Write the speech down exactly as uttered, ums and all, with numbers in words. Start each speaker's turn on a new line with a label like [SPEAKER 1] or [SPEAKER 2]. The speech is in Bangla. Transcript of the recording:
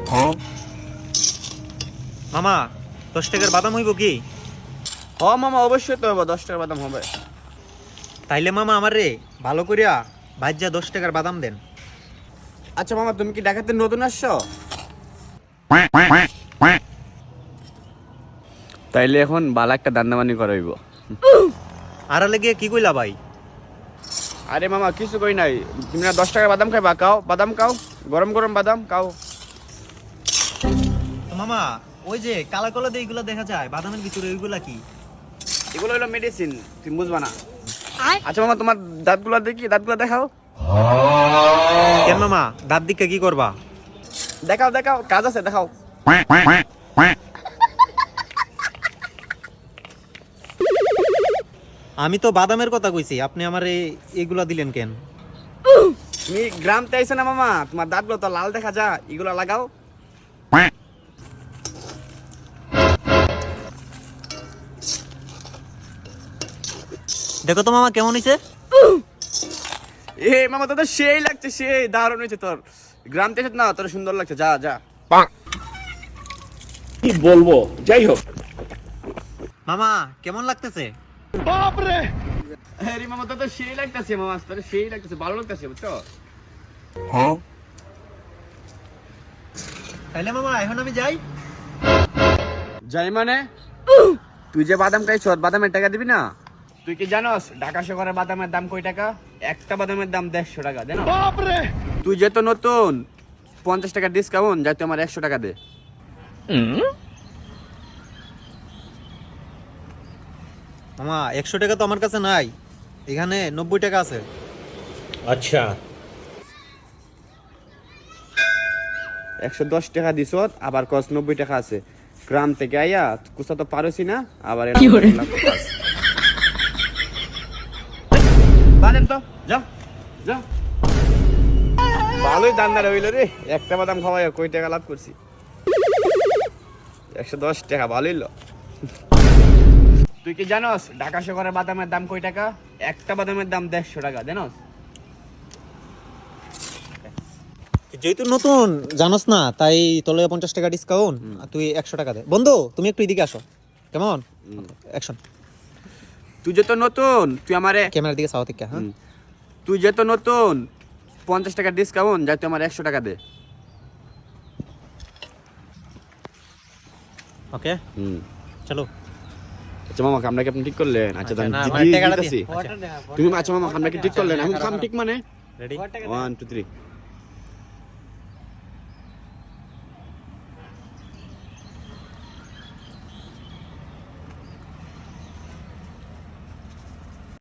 [SPEAKER 1] মামা দশ টাকার বাদাম হইব কি?
[SPEAKER 2] হ মামা অবশ্যই তো হবে, দশ টাকার বাদাম হবে।
[SPEAKER 1] তাইলে মামা আমার রে ভালো করিয়া ভাজ্যা দশ টাকার বাদাম দেন।
[SPEAKER 2] আচ্ছা মামা, তুমি কি ঢাকাতে নতুন আসছো? তাইলে এখন বালা একটা দান্দামানি করাইব।
[SPEAKER 1] আর লেগে কি কইলা ভাই?
[SPEAKER 2] আরে মামা কিছু কই নাই, তুমি না দশ টাকার বাদাম খাইবা, খাও বাদাম খাও, গরম গরম বাদাম খাও।
[SPEAKER 1] তো মামা ওই যে কালা কালা দিয়ে এগুলা দেখা যায় বাদামের ভিতরে, ওইগুলা কি?
[SPEAKER 2] এগুলো হলো মেডিসিন, তুমি বুঝবা না। আচ্ছা মামা, তোমার দাঁতগুলো দেখি, দাঁতগুলো দেখাও।
[SPEAKER 1] কেন মামা দাঁত দিকে কি করবা?
[SPEAKER 2] দেখাও দেখাও, কাজ আছে, দেখাও।
[SPEAKER 1] আমি তো বাদামের কথা কইছি, আপনি আমার এগুলা দিলেন কেন?
[SPEAKER 2] তুমি গ্রামতে আইছো না মামা, তোমার দাঁতগুলো তো লাল দেখা যায়, এগুলো লাগাও।
[SPEAKER 1] দেখো তো মামা কেমন হইছে?
[SPEAKER 2] এ মামা তো সেই লাগছে, সেই দারুণ হয়েছে তোর। গ্রামতে এসে না তোর সুন্দর লাগছে, যা যা।
[SPEAKER 3] কি বলবো, যাই হোক।
[SPEAKER 1] মামা কেমন লাগতেছে?
[SPEAKER 3] বাপরে,
[SPEAKER 2] আরে মামা তো সেই লাগতেছে, মামা তোর সেই লাগতেছে, ভালো লাগতেছে, বুঝছো?
[SPEAKER 3] হ্যাঁ
[SPEAKER 1] তাইলে মামা এখন আমি যাই।
[SPEAKER 2] যাই মানে? তুই যে বাদাম খাইছ, বাদামের টাকা দিবি না? তুই কি জানোস ঢাকা শহরের বাদামের দাম কয় টাকা? একটা বাদামের দাম দেড়শো টাকা, জানো?
[SPEAKER 3] বাপরে,
[SPEAKER 2] তুই যে তো নতুন, পঞ্চাশ টাকা ডিসকাউন্ট, যাই তুই আমার একশো টাকা দে।
[SPEAKER 1] মামা একশো টাকা তো আমার কাছে নাই, এখানে নব্বই টাকা আছে।
[SPEAKER 3] আচ্ছা
[SPEAKER 2] একশো দশ টাকা দিস, আবার কস নব্বই টাকা আছে। গ্রাম থেকে আইয়া কুসা তো পারছি না, আবার বাদেন তো, যা যা। ভালোই দান্দার হইল রে, একটা বাদাম খাওয়াই কই টাকা লাভ করছি। একশো দশ টাকা ভালোই ল। তুই কি জানোস ঢাকা শহরের বাদামের দাম কয় টাকা? একটা বাদামের দাম দেড়শো টাকা, জানোস?
[SPEAKER 1] যেহেতু নতুন জানোস না, তাই তোলে পঞ্চাশ টাকা ডিসকাউন্ট, তুই একশো টাকা দে। বন্ধু তুমি একটু এদিকে আসো, কেমন? অ্যাকশন।
[SPEAKER 2] তুই যে তো নতুন, তুই আমারে
[SPEAKER 1] ক্যামেরার দিকে সাও থেকে। হ্যাঁ
[SPEAKER 2] তুই যে তো নতুন, পঞ্চাশ টাকা ডিসকাউন্ট, যাই তুই আমার একশো টাকা দে।
[SPEAKER 1] ওকে চলো।
[SPEAKER 2] আচ্ছা মামা, আমরা কি আপনি ঠিক করলেন? আচ্ছা
[SPEAKER 1] আচ্ছা, না,
[SPEAKER 2] দি-
[SPEAKER 1] আমার
[SPEAKER 2] দি-
[SPEAKER 1] টাকাটা
[SPEAKER 2] দিতেছি।
[SPEAKER 1] দিন।
[SPEAKER 2] তুমি আচ্ছা মামা, আমরা কি ঠিক করলেন? আমি কাম ঠিক মানে
[SPEAKER 1] রেডি?
[SPEAKER 2] One two three